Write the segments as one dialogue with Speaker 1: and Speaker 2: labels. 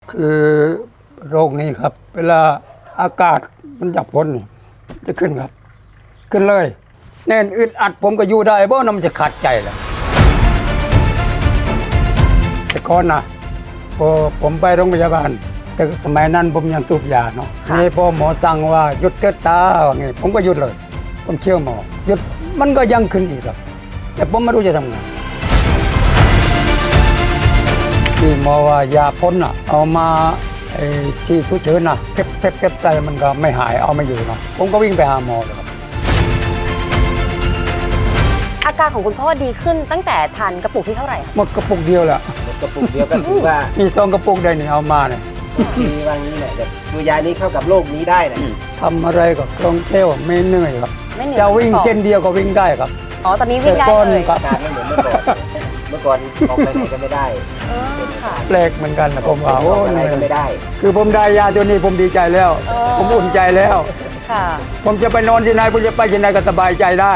Speaker 1: คือโรคนี้ครับ เวลาอากาศมันจับพ้นนี่จะขึ้นครับ ขึ้นเลยแน่นอึดอัดผมก็อยู่ได้เพราะมันจะขาดใจแหละแต่ก่อนนะพอผมไปโรงพยาบาลแต่สมัยนั้นผมยังสูบยาเนาะนี่พอหมอสั่งว่าหยุดเถิดตาว่าไงผมก็หยุดเลย ผมเชื่อหมอหยุดมันก็ยังขึ้นอีกครับ แต่ผมไม่รู้จะทำไงที่หมอว่ายาพ่นอ่ะเอามาที่ผู้เชิญน่ะเพ็บใจมันก็ไม่หายเอาไม่อยู่เนาะผมก็วิ่งไปหาหมอเลยครับ
Speaker 2: อาการของคุณพ่อดีขึ้นตั้งแต่ทานกระปุกที่เท่าไหร่คะ
Speaker 1: หมดกระปุกเดียวแหละ
Speaker 3: หมดกระปุกเดียวก็ถือว่า
Speaker 1: มีซองกระปุกได้นี่เอามาเนี่ย
Speaker 3: ทีว่างี้แหละแบบตัวยานี้เข้ากับโรคนี้ได้แหละ
Speaker 1: ทำอะไรก็คล่องแคล่วไม่เหนื่อยครับ
Speaker 2: ไม่เหนื่อย
Speaker 1: จะวิ่งเส้นเดียวก็วิ่งได้ครับ
Speaker 2: อ๋อตอนนี้วิ่งได้
Speaker 1: แต่ก่อน
Speaker 2: เลย
Speaker 1: ครับ
Speaker 3: อาการไม่เหมือนเมื่อก่อนเมื่อก่อนออกไปไหนก็ไม่ได้
Speaker 2: ค่ะ
Speaker 1: แปลกเหมือนกันนะผมว่า
Speaker 3: อ
Speaker 1: โอ้
Speaker 3: อกไปไห
Speaker 1: เห
Speaker 3: น
Speaker 1: นื่อย
Speaker 3: ก็ไม่ได้
Speaker 1: คือผมได้ยาตัวนี้ผมดีใจแล้ว ผมอุ่นใจแล้ว
Speaker 2: ค่ะ
Speaker 1: ผมจะไปนอนที่ไหนผมจะไปที่ไหนก็สบายใจได้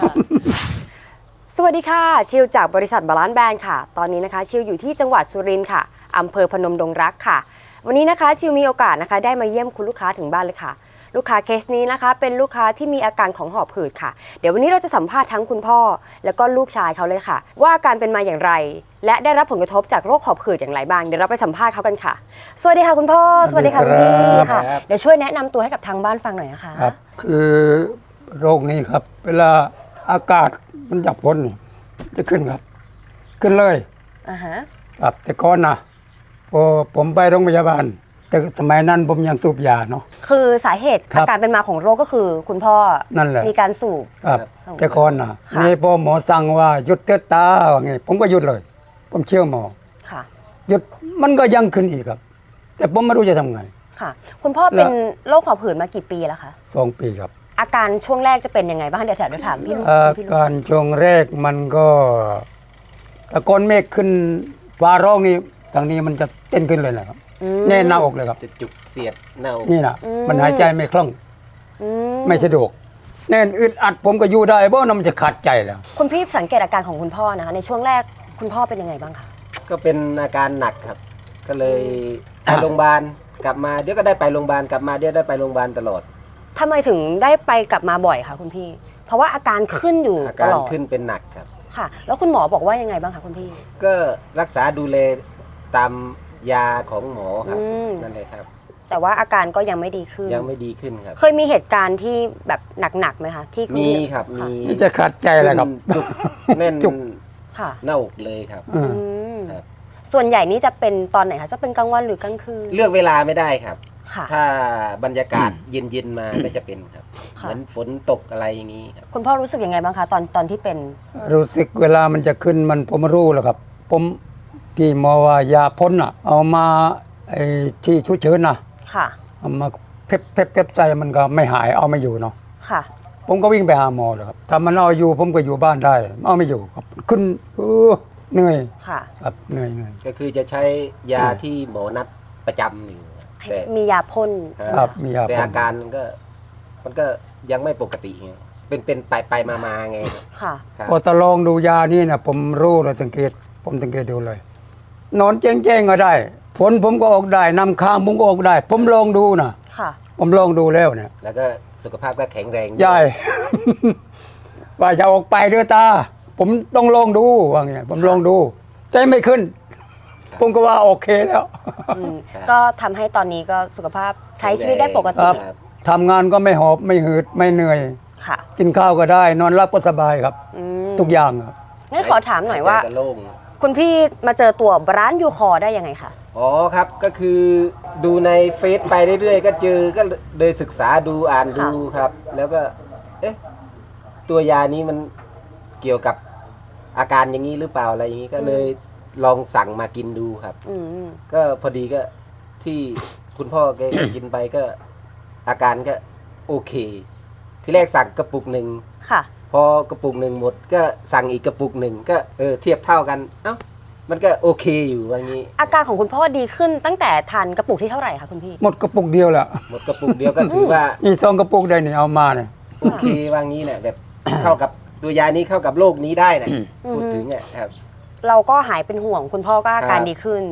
Speaker 2: สวัสดีค่ะชิวจากบริษัทบาลานซ์แบรนด์ค่ะตอนนี้นะคะชิวอยู่ที่จังหวัดสุรินทร์ค่ะอำเภอพนมดงรักค่ะวันนี้นะคะชิวมีโอกาสนะคะได้มาเยี่ยมคุณลูกค้าถึงบ้านเลยค่ะลูกค้าเคสนี้นะคะเป็นลูกค้าที่มีอาการของหอบหืดค่ะเดี๋ยววันนี้เราจะสัมภาษณ์ทั้งคุณพ่อแล้วก็ลูกชายเขาเลยค่ะ ว่าอาการเป็นมาอย่างไร และได้รับผลกระทบจากโรคหอบหืดอย่างไรบ้างเดี๋ยวเราไปสัมภาษณ์เขากันค่ะ สวัสดีค่ะคุณพ่อสวัสดีค่ะคุณพี่ค่ะ
Speaker 3: ครับ
Speaker 2: เดี๋ยวช่วยแนะนำตัวให้กับทางบ้านฟังหน่อยนะคะ
Speaker 1: ครับ คือโรคนี้ครับ เวลาอากาศมันจับพ้นนี่จะขึ้นครับ ขึ้นเลย
Speaker 2: อ่าฮะ
Speaker 1: ครับแต่ก่อนนะพอผมไปโรงพยาบาลแต่สมัยนั้นผมยังสูบยาเนาะ
Speaker 2: คือสาเหตุ
Speaker 1: ครับ
Speaker 2: อาการเป็นมาของโรคก็คือคุณพ่อ
Speaker 1: นั่นแหละ
Speaker 2: มีการสูบ
Speaker 1: ครับ
Speaker 2: ส่ง
Speaker 1: แต่ก่อนนะ
Speaker 2: ค่ะ
Speaker 1: นี่พอหมอสั่งว่าหยุดเถิดตาว่าไงผมก็หยุดเลย ผมเชื่อหมอ
Speaker 2: ค่ะ
Speaker 1: หยุดมันก็ยังขึ้นอีกครับ แต่ผมไม่รู้จะทำไง
Speaker 2: ค่ะ คุณพ่อเป็นโรคหอบหืดมากี่ปีแล้วคะ
Speaker 1: 2 ปีครับ
Speaker 2: อาการช่วงแรกจะเป็นยังไงบ้างเดี๋ยวถามพี่ลูก
Speaker 1: อา
Speaker 2: พี่ลูก
Speaker 1: การช่วงแรกมันก็ตะกอนเมฆขึ้นฟ้าร้องนี่ทางนี้มันจะเต้นขึ้นเลยนะครับแน่นหน้าอกเลยครับ
Speaker 3: จะจุกเสียดเน่า
Speaker 1: นี่นะมันหายใจไม่คล่อง
Speaker 2: อืม
Speaker 1: ไม่สะดวก แน่นอึดอัดผมก็อยู่ได้เพราะมันจะขาดใจแล้ว
Speaker 2: คุณพี่สังเกตอาการของคุณพ่อนะคะในช่วงแรกคุณพ่อเป็นยังไงบ้างคะ
Speaker 3: ก็เป็นอาการหนักครับ ก็เลยไปโรงพยาบาลกลับมาเดี๋ยวก็ได้ไปโรงพยาบาลกลับมาเดี๋ยวได้ไปโรงพยาบาลตลอด
Speaker 2: ทำไมถึงได้ไปกลับมาบ่อยคะคุณพี่ เพราะว่าอาการขึ้นอยู่
Speaker 3: อา
Speaker 2: ต
Speaker 3: การ
Speaker 2: ลอด
Speaker 3: ขึ้นเป็นหนักครับ
Speaker 2: ค่ะ แล้วคุณหมอบอกว่ายังไงบ้างคะคุณพี่
Speaker 3: ก็รักษาดูแลตามยาของหมอครับ
Speaker 2: อืม
Speaker 3: นั่นเลยครับ
Speaker 2: แต่ว่าอาการก็ยังไม่ดีขึ้น
Speaker 3: ยังไม่ดีขึ้นครับ
Speaker 2: เคยมีเหตุการณ์ที่แบบหนักๆไหมคะที่ณ
Speaker 3: มีครับ
Speaker 2: ะ
Speaker 3: มี
Speaker 1: นี่จะขาดใจแล้วครับ
Speaker 3: จุกแน่น
Speaker 1: จุก
Speaker 2: ค่ะ
Speaker 3: หน้าอกเลยครับ
Speaker 1: อืม
Speaker 2: อืม
Speaker 3: ครับ
Speaker 2: ส่วนใหญ่นี่จะเป็นตอนไหนคะจะเป็นกลางวันหรือกลางคืน
Speaker 3: เลือกเวลาไม่ได้ครับ
Speaker 2: ค่ะ
Speaker 3: ถ้าบรรยากาศเย็นๆมาก็จะเป็นครับ
Speaker 2: ค่ะ
Speaker 3: เหมือนฝนตกอะไรอย่างนี้ครับ
Speaker 2: คุณพ่อรู้สึกยังไงบ้างคะตอนที่เป็น
Speaker 1: รู้สึกเวลามันจะขึ้นมันผมรู้แล้วครับ ผมที่หมอว่ายาพ่นอ่ะ เอามาที่ชุเชิญน่ะ
Speaker 2: ค่ะ
Speaker 1: เอามาเพ็บใจมันก็ไม่หายเอาไม่อยู่เนาะ
Speaker 2: ค่ะ
Speaker 1: ผมก็วิ่งไปหาหมอเลยครับถ้ามันเอาอยู่ผมก็อยู่บ้านได้เอาไม่อยู่ครับขึ้นเหนื่อย
Speaker 2: ค่ะ
Speaker 1: ครับเหนื่อย
Speaker 3: ก็คือจะใช้ยาที่หมอนัดประจำอยู่แต่
Speaker 2: มียาพ่นใช่ไห
Speaker 1: ค
Speaker 2: ม
Speaker 1: รับ
Speaker 2: คะ
Speaker 1: มียา
Speaker 3: แต่
Speaker 1: พ่น
Speaker 3: อาการมันก็ยังไม่ปกติไงเป็นไปมาไง
Speaker 2: ค่ะ
Speaker 3: ครับ
Speaker 1: พอตะลองดูยานี่นะผมรู้เลยสังเกตผมสังเกตดูเลย นอนแจ้งๆก็ได้ฝนผมก็ออกได้นำค้างผมก็ออกได้ ผมลองดูนะ
Speaker 2: ค่ะ
Speaker 1: ผมลองดูแล้วเนี่ย
Speaker 3: แล้วก็สุขภาพก็แข็งแรง
Speaker 1: ยาย ว่าจะออกไปเด้อตา ผมต้องลองดูว่าไงผมลองดู ใจไม่ขึ้น ผมก็ว่าโอเคแล้ว
Speaker 2: อืมก็ทำให้ตอนนี้ก็สุขภาพใช้ชีวิตได้ปก
Speaker 1: ค
Speaker 2: ติ
Speaker 1: รับทำงานก็ไม่หอบไม่หืดไม่เหนื่อย
Speaker 2: ค่ะ
Speaker 1: กินข้าวก็ได้ นอนหลับก็สบายครับ
Speaker 2: อืม
Speaker 1: ทุกอย่างครับ
Speaker 2: งั้นขอถามหน่อยว่า
Speaker 3: ใจก็โล่ง
Speaker 2: คุณพี่มาเจอตัวร้านยูคอได้ยังไงคะ
Speaker 3: อ๋อครับก็คือดูในเฟซไปเรื่อยๆก็เจอก็เลยศึกษาดูอ่านดูครับ แล้วก็ เอ๊ะตัวยานี้มันเกี่ยวกับอาการอย่างนี้หรือเปล่าอะไรอย่างนี้ก็เลยลองสั่งมากินดูครับ
Speaker 2: อืม
Speaker 3: ก็พอดีก็ที่คุณพ่อแก กินไปก็ อาการก็โอเค ที่แรกสั่งกระปุกหนึ่ง
Speaker 2: ค่ะ
Speaker 3: พอกระปุกหนึ่งหมด ก็สั่งอีกกระปุกหนึ่งก็เทียบเท่ากัน เอ้ามันก็โอเคอยู่ว่างี้
Speaker 2: อาการของคุณพ่อดีขึ้นตั้งแต่ทานกระปุกที่เท่าไหร่คะคุณพี่
Speaker 1: หมดกระปุกเดียวแหละ
Speaker 3: หมดกระปุกเดียวก็ถือว่า
Speaker 1: นี่ซองกระปุกได้นี่เอามาเนี่ย
Speaker 3: โอเคว่างี้แหละแบบ เข้ากับตัวยานี้เข้ากับโรคนี้ได้นะพูดถึงอ่ะครับ
Speaker 2: เราก็หายเป็นห่วงคุณพ่อก็อาการ
Speaker 3: ครับ
Speaker 2: ดีขึ้น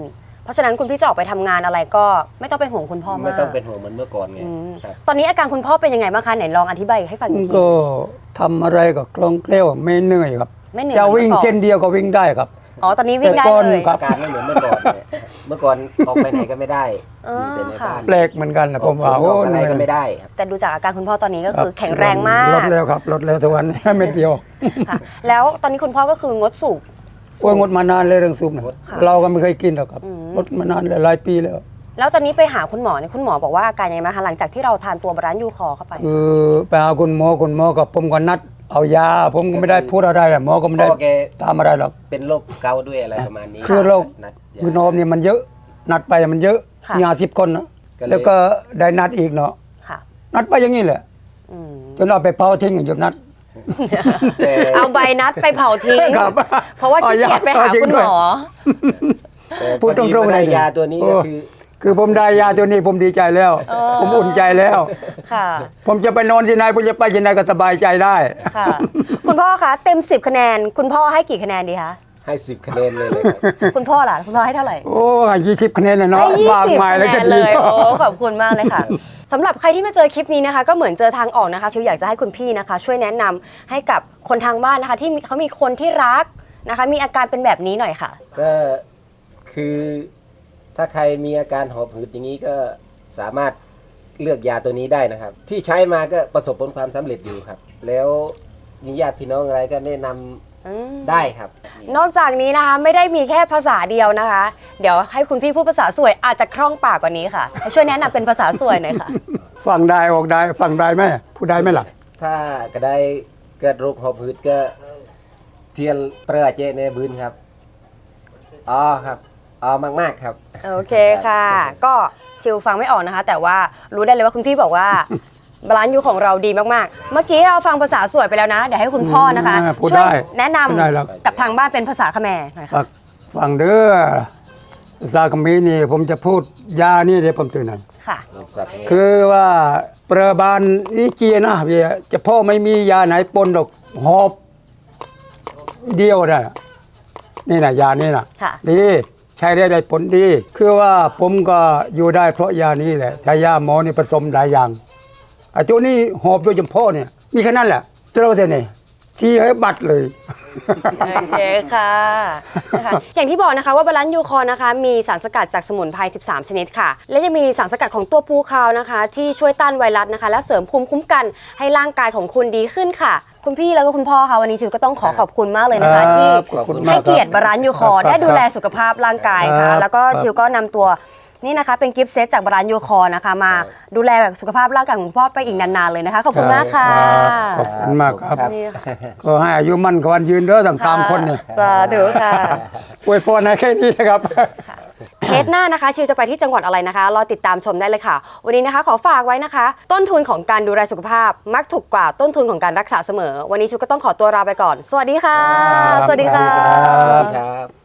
Speaker 2: เพราะฉะนั้นคุณพี่จะออกไปทำงานอะไรก็ไม่ต้องไปห่วงคุณพ่อมาก
Speaker 3: ไม่ต้องเป็นห่วงเหมือนเมื่อก่อนไง
Speaker 2: อืม
Speaker 3: ครับ
Speaker 2: ตอนนี้อาการคุณพ่อเป็นยังไงบ้างคะไหนลองอธิบายให้ฟังอีกที
Speaker 1: ก็ทำอะไรก็คล่องแคล่วไม่เหนื่อยครับ
Speaker 2: ไม่เหนื่อย
Speaker 1: จะวิ่ง
Speaker 2: หมือนมื่อก่อ
Speaker 1: เส้นเดียวก็วิ่งได้ครับ
Speaker 2: อ๋อตอนนี้วิ่งได้
Speaker 1: แต่ก่อน
Speaker 2: เลย
Speaker 1: ครับ
Speaker 3: อาการไม่เหมือนเมื่อก่อนเนี่ยเมื่อก่อนออกไปไหนก็ไม่ได้
Speaker 2: อ๋อ
Speaker 3: อยู่แต่ใน
Speaker 2: ค่ะ
Speaker 3: บ้าน
Speaker 1: แปลกเหมือนกันนะผมว่า
Speaker 3: อ
Speaker 1: โอ้
Speaker 3: อกอะไร
Speaker 1: เหนื่อย
Speaker 3: ก็ไม่ได้ครับ
Speaker 2: แต่ดูจากอาการคุณพ่อตอนนี้ก็
Speaker 1: รับ
Speaker 2: คือแข็งแรงมาก
Speaker 1: ลดแล้วครับลดแล้วทุกวัน เม็ดเดียว
Speaker 2: ค่ะ แล้วตอนนี้คุณพ่อก็คืองดสูบ
Speaker 1: โอ้ยงดมานานเลยเรื่องซุปนะ
Speaker 2: ค่ะ
Speaker 1: เราก็ไม่เคยกินหรอกครับ
Speaker 2: อืม
Speaker 1: งดมานานเลยหลายปีแล้ว
Speaker 2: แล้วตอนนี้ไปหาคุณหมอเนี่ยคุณหมอบอกว่าอาการยังไงบ้างคะหลังจากที่เราทานตัวบาลานซ์ยูคอเข้าไป
Speaker 1: คือไปหาคุณหมอกับผมก็นัดเอายา ผมก็ไม่ได้พูดอะไรอะหมอก็ไม่ได้
Speaker 3: พ่อแก
Speaker 1: ตามอะไรหรอก
Speaker 3: เป็นโรคเกาต์ด้วยอะไรประมาณนี้
Speaker 1: คือโรค
Speaker 3: นัดยา
Speaker 1: คือนมเนี่ยมันเยอะ นัดไปมันเยอะ
Speaker 2: ค่ะ
Speaker 1: 50 คนนะ
Speaker 3: ก็เลย
Speaker 1: แล้วก็ได้นัดอีกเนาะ
Speaker 2: ค่ะ
Speaker 1: นัดไปอย่างนี้แหละ
Speaker 2: อืม
Speaker 1: จนเอาไปเผาทิ้งหยุดนัด
Speaker 3: แต่
Speaker 2: เอาใบนัดไปเผาทิ้ง
Speaker 1: ครับ
Speaker 2: เพราะว่าขี้เกียจไปหาคุณหมอ
Speaker 3: แต่
Speaker 1: พูดตรงๆ
Speaker 3: พอดี
Speaker 1: เลย
Speaker 3: ได้ยาตัวนี้ก็คือ
Speaker 1: คือผมได้ยาตัวนี้ผมดีใจแล้ว ผมอุ่นใจแล้ว
Speaker 2: ค่ะ
Speaker 1: ผมจะไปนอนที่ไหนผมจะไปที่ไหนก็สบายใจได้
Speaker 2: ค่ะ คุณพ่อคะเต็ม10คะแนน คุณพ่อให้กี่คะแนนดีคะ
Speaker 3: ให้10 คะแนนเลยครับ
Speaker 2: คุณพ่อล่ะคุณพ่อให้เท่าไหร่
Speaker 1: โอ้20 คะแนนเลยเนาะ
Speaker 2: ให้
Speaker 1: มาก
Speaker 2: 20
Speaker 1: มาย
Speaker 2: คะ
Speaker 1: แล้ว
Speaker 2: แน
Speaker 1: ก็
Speaker 2: น
Speaker 1: ดี
Speaker 2: เลยโอ้ขอบคุณมากเลยค่ะสำหรับใครที่มาเจอคลิปนี้นะคะ ก็เหมือนเจอทางออกนะคะชิวอยากจะให้คุณพี่นะคะ ช่วยแนะนำให้กับคนทางบ้านนะคะ ที่เขามีคนที่รักนะคะ มีอาการเป็นแบบนี้หน่อยค่ะ
Speaker 3: ก็คือถ้าใครมีอาการหอบหืดอย่างนี้ก็สามารถเลือกยาตัวนี้ได้นะครับ ที่ใช้มาก็ประสบผลความสำเร็จอยู่ครับ แล้วมีญาติพี่น้องอะไรก็แนะนำได้ครับ
Speaker 2: นอกจากนี้นะคะไม่ได้มีแค่ภาษาเดียวนะคะ เดี๋ยวให้คุณพี่พูดภาษาสวยอาจจะคล่องปากกว่านี้ค่ะให้ช่วยแนะนำเป็นภาษาสวยหน่อยค่ะ
Speaker 1: ฟังได้ออกได้ฟังได้ไหมพูดได้ไหมล่ะ
Speaker 3: ถ้าก็ได้เกิดโรคหอบหืดก็เทียนเปรือเจในบืนครับอ๋อครับอ๋อมากๆครับ
Speaker 2: โอเคค่ะ ก็ชิวฟังไม่ออกนะคะ แต่ว่ารู้ได้เลยว่าคุณพี่บอกว่าบาลานซ์ยูของเราดีมากๆ เมื่อกี้เราฟังภาษาสวยไปแล้วนะ เดี๋ยวให้คุณพ่อนะคะ
Speaker 1: พูด
Speaker 2: ช่วย
Speaker 1: ได้
Speaker 2: แนะน
Speaker 1: พูดได้หรอก
Speaker 2: ำกับทางบ้านเป็นภาษาเขมรหน่อยค่ะ
Speaker 1: ฟังเด้อซาคามีนี่ผมจะพูดยานี่เดี๋ยวผมตื่นหน่อย
Speaker 2: ค่ะ
Speaker 1: คือว่าประบาลอีเกียนะเวียจะพ่อไม่มียาไหนปนดอกหอบเดียวได้นี่นะยานี่นะ
Speaker 2: ค่ะ
Speaker 1: ดีใช้ได้ผลดี คือว่าผมก็อยู่ได้เพราะยานี้แหละใช้ยาหมอนี่ผสมหลายอย่างไอ้ตัวนี้หอบโดยเฉพาะเนี่ยมีแค่นั้นแหละเจ้าเท่านี้ที่ให้บัตรเลย
Speaker 2: โอเคค่ะนะคะอย่างที่บอกนะคะว่าบาลานซ์ยูคอนะคะมีสารสกัดจากสมุนไพร 13 ชนิดค่ะ และยังมีสารสกัดของตัวปูคาวนะคะ ที่ช่วยต้านไวรัสนะคะ และเสริมภูมิคุ้มกันให้ร่างกายของคุณดีขึ้นค่ะ คุณพี่แล้วก็คุณพ่อค่ะวันนี้ชิวก็ต้องขอบคุณมากเลยนะคะ
Speaker 1: ครับ
Speaker 2: ที่
Speaker 1: ขอบคุณมาก
Speaker 2: ให้เกียรติบาลานซ์ยูคอ
Speaker 1: ครับ
Speaker 2: ได้ดูแลสุขภาพร่างกาย
Speaker 1: ครั
Speaker 2: ค่ะ
Speaker 1: บ
Speaker 2: แล้วก็
Speaker 1: ครับ
Speaker 2: ชิวก็นำตัวนี่นะคะเป็นกิฟต์เซตจากบาลานซ์ยูคอนะคะมาดูแลสุขภาพร่างกายของคุณพ่อไปอีกนานๆเลยนะคะขอบคุณมากค่ะ
Speaker 1: ขอบคุณมากครับ
Speaker 2: นี่ค่ะ
Speaker 1: ก็ให้อายุมั่นขวัญยืนเด้อทั้งสามคนเนี่ย
Speaker 2: สาธุค่ะ
Speaker 1: อวยพรให้แค่นี้นะครับ
Speaker 2: เคสหน้านะคะชิวจะไปที่จังหวัดอะไรนะคะรอติดตามชมได้เลยค่ะ วันนี้นะคะขอฝากไว้นะคะ ต้นทุนของการดูแลสุขภาพ มักถูกกว่าต้นทุนของการรักษาเสมอ วันนี้ชิวก็ต้องขอตัวลาไปก่อน สวัสดีค่ะ
Speaker 1: ครับ
Speaker 2: สวัสดีค่ะ
Speaker 1: สวัสดีครับ
Speaker 3: ครับ